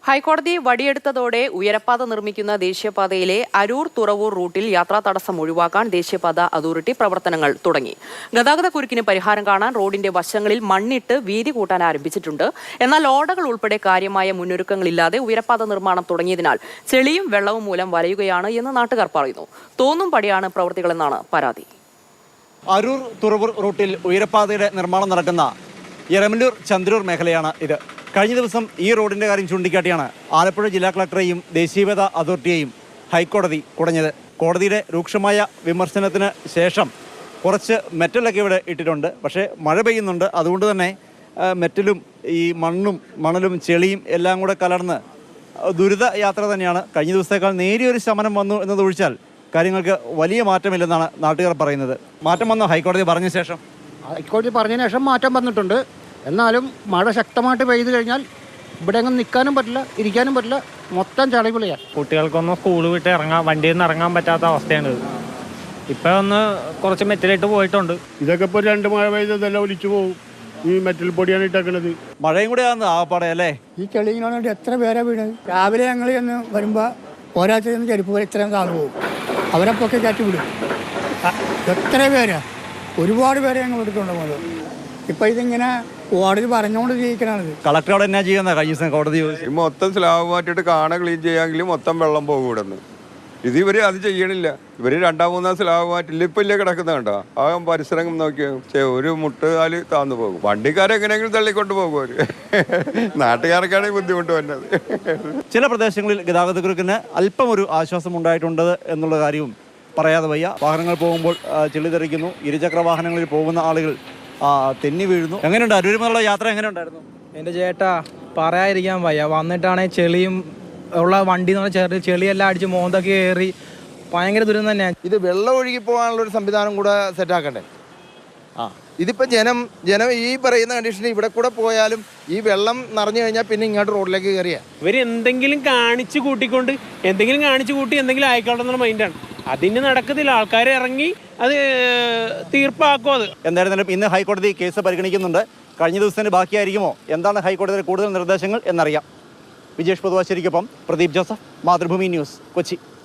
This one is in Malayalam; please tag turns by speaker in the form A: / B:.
A: ഹൈക്കോടതി വടിയെടുത്തതോടെ ഉയരപ്പാത നിർമ്മിക്കുന്ന ദേശീയപാതയിലെ അരൂർ തുറവൂർ റൂട്ടിൽ യാത്രാ തടസ്സം ഒഴിവാക്കാൻ ദേശീയപാത അതോറിറ്റി പ്രവർത്തനങ്ങൾ തുടങ്ങി. ഗതാഗതക്കുരുക്കിന് പരിഹാരം കാണാൻ റോഡിന്റെ വശങ്ങളിൽ മണ്ണിട്ട് വീതി കൂട്ടാൻ ആരംഭിച്ചിട്ടുണ്ട്. എന്നാൽ ഓടകൾ ഉൾപ്പെടെ കാര്യമായ മുന്നൊരുക്കങ്ങളില്ലാതെ ഉയരപ്പാത നിർമ്മാണം തുടങ്ങിയതിനാൽ ചെളിയും വെള്ളവും മൂലം വലയുകയാണ് എന്ന് നാട്ടുകാർ പറയുന്നു. തോന്നും പടിയാണ് പ്രവൃത്തികളെന്നാണ് പരാതി.
B: അരൂർ തുറവൂർ റൂട്ടിൽ ഉയരപ്പാതയുടെ നിർമ്മാണം നടക്കുന്ന എരമല്ലൂർ ചന്ദ്രൂർ മേഖലയാണ് ഇത്. കഴിഞ്ഞ ദിവസം ഈ റോഡിൻ്റെ കാര്യം ചൂണ്ടിക്കാട്ടിയാണ് ആലപ്പുഴ ജില്ലാ കളക്ടറെയും ദേശീയപാത അതോറിറ്റിയെയും ഹൈക്കോടതി കുടഞ്ഞത്. കോടതിയുടെ രൂക്ഷമായ വിമർശനത്തിന് ശേഷം കുറച്ച് മെറ്റലൊക്കെ ഇവിടെ ഇട്ടിട്ടുണ്ട്. പക്ഷേ മഴ പെയ്യുന്നുണ്ട്, അതുകൊണ്ട് തന്നെ മെറ്റലും ഈ മണലും ചെളിയും എല്ലാം കൂടെ കലർന്ന് ദുരിത യാത്ര തന്നെയാണ്. കഴിഞ്ഞ ദിവസത്തേക്കാൾ നേരിയൊരു ശമനം വന്നു എന്നതൊഴിച്ചാൽ കാര്യങ്ങൾക്ക് വലിയ മാറ്റമില്ലെന്നാണ് നാട്ടുകാർ പറയുന്നത്. മാറ്റം വന്നോ ഹൈക്കോടതി പറഞ്ഞ ശേഷം?
C: ഹൈക്കോടതി പറഞ്ഞതിന് ശേഷം മാറ്റം വന്നിട്ടുണ്ട്. എന്നാലും മഴ ശക്തമായിട്ട് പെയ്തു കഴിഞ്ഞാൽ ഇവിടെ അങ്ങ് നിൽക്കാനും പറ്റില്ല, ഇരിക്കാനും പറ്റില്ല, മൊത്തം ചളിപിളിയാണ്.
D: കുട്ടികൾക്കൊന്നും സ്കൂൾ വിട്ട് വണ്ടിയിൽ നിന്ന് ഇറങ്ങാൻ പറ്റാത്ത അവസ്ഥയാണ്. ഇപ്പം ഒന്ന് കുറച്ച് മെറ്റലിട്ട് പോയിട്ടുണ്ട്.
E: ഇതൊക്കെ ഇപ്പോൾ 2 മഴ പെയ്തതെല്ലാം ഒലിച്ചു പോകും. ഈ മെറ്റൽ പൊടിയാണ് ഇട്ടേക്കുന്നത്.
B: മഴയും കൂടെ ആണെന്ന് ആപ്പാടെ അല്ലേ?
F: ഈ ചെളിയിനോട് എത്ര പേരാ വീണത്. രാവിലെ ഞങ്ങൾ ചെന്ന് വരുമ്പോൾ ഒരാഴ്ച ചെരുപ്പ് പോലെ ഇത്രയും താഴെ പോകും. അവരപ്പൊക്കെ കയറ്റി വിടും. എത്ര പേരാ, ഒരുപാട് പേരെ ഞങ്ങൾ എടുത്തുകൊണ്ട്. ഇപ്പം ഇതിങ്ങനെ കോടതി പറഞ്ഞുകൊണ്ട് ജീവിക്കണത്.
B: കളക്ടറോട് എന്നാ ചെയ്യുന്ന കഴിഞ്ഞ ദിവസം കോടതി
G: മൊത്തം സ്ലാബ് മാറ്റിയിട്ട് ക്ലീൻ ചെയ്യാമെങ്കിൽ മൊത്തം വെള്ളം പോകും ഇവിടെ നിന്ന്. ഇത് ഇവർ അത് ചെയ്യണില്ല. ഇവർ 2-3 സ്ലാബ് മാറ്റില്ല. ഇപ്പം ഇല്ലേ കിടക്കുന്ന കണ്ടോ? ആ പരിസരം നോക്കിയാൽ ഒരു മുട്ടുകാല് താന്നു പോകും. വണ്ടിക്കാരെങ്ങനെയെങ്കിലും തള്ളിക്കൊണ്ട് പോകും അവർ. നാട്ടുകാർക്കാണ് ബുദ്ധിമുട്ട് വരുന്നത്.
B: ചില പ്രദേശങ്ങളിൽ ഗതാഗതക്കുരുക്കിന് അല്പം ഒരു ആശ്വാസം ഉണ്ടായിട്ടുണ്ട് എന്നുള്ള കാര്യവും പറയാതെ വയ്യ. വാഹനങ്ങൾ പോകുമ്പോൾ ചെളി തെറിക്കുന്നു. ഇരുചക്ര വാഹനങ്ങളിൽ പോകുന്ന ആളുകൾ തെന്നി വീഴുന്നു. എങ്ങനെയുണ്ട് അരൂരുമുള്ള യാത്ര? എങ്ങനെ ഉണ്ടായിരുന്നു?
D: എൻ്റെ ചേട്ടാ പറയാതിരിക്കാൻ വയ്യ. വന്നിട്ടാണെങ്കിൽ ചെളിയും ഉള്ള വണ്ടി എന്ന് പറഞ്ഞാൽ ചെളിയെല്ലാം അടിച്ച് മോന്തൊക്കെ കയറി ഭയങ്കര ദുരിതം തന്നെയാണ്.
H: ഇത് വെള്ളം ഒഴുകി പോകാനുള്ളൊരു സംവിധാനം കൂടെ സെറ്റാക്കണ്ടേ? ഇതിപ്പോൾ ജനം ഈ പറയുന്ന കണ്ടീഷനിൽ ഇവിടെ കൂടെ പോയാലും ഈ വെള്ളം നിറഞ്ഞു കഴിഞ്ഞാൽ പിന്നെ ഇങ്ങോട്ട് റോഡിലേക്ക് കയറിയാ
I: ഇവർ എന്തെങ്കിലും കാണിച്ചു കൂട്ടി എന്തെങ്കിലും ആയിക്കോട്ടെ എന്നുള്ള മൈൻഡാണ്. അതിന് നടക്കത്തില്ല. ആൾക്കാർ ഇറങ്ങി അത് തീർപ്പാക്കും. അത്
B: എന്തായിരുന്നാലും ഇന്ന് ഹൈക്കോടതി കേസ് പരിഗണിക്കുന്നുണ്ട്. കഴിഞ്ഞ ദിവസത്തിന് ബാക്കിയായിരിക്കുമോ? എന്താണ് ഹൈക്കോടതിയുടെ കൂടുതൽ നിർദ്ദേശങ്ങൾ എന്നറിയാം. വിജേഷ് പൊതുവാശ്ശേരിക്കൊപ്പം പ്രദീപ് ജോസഫ്, മാതൃഭൂമി ന്യൂസ്, കൊച്ചി.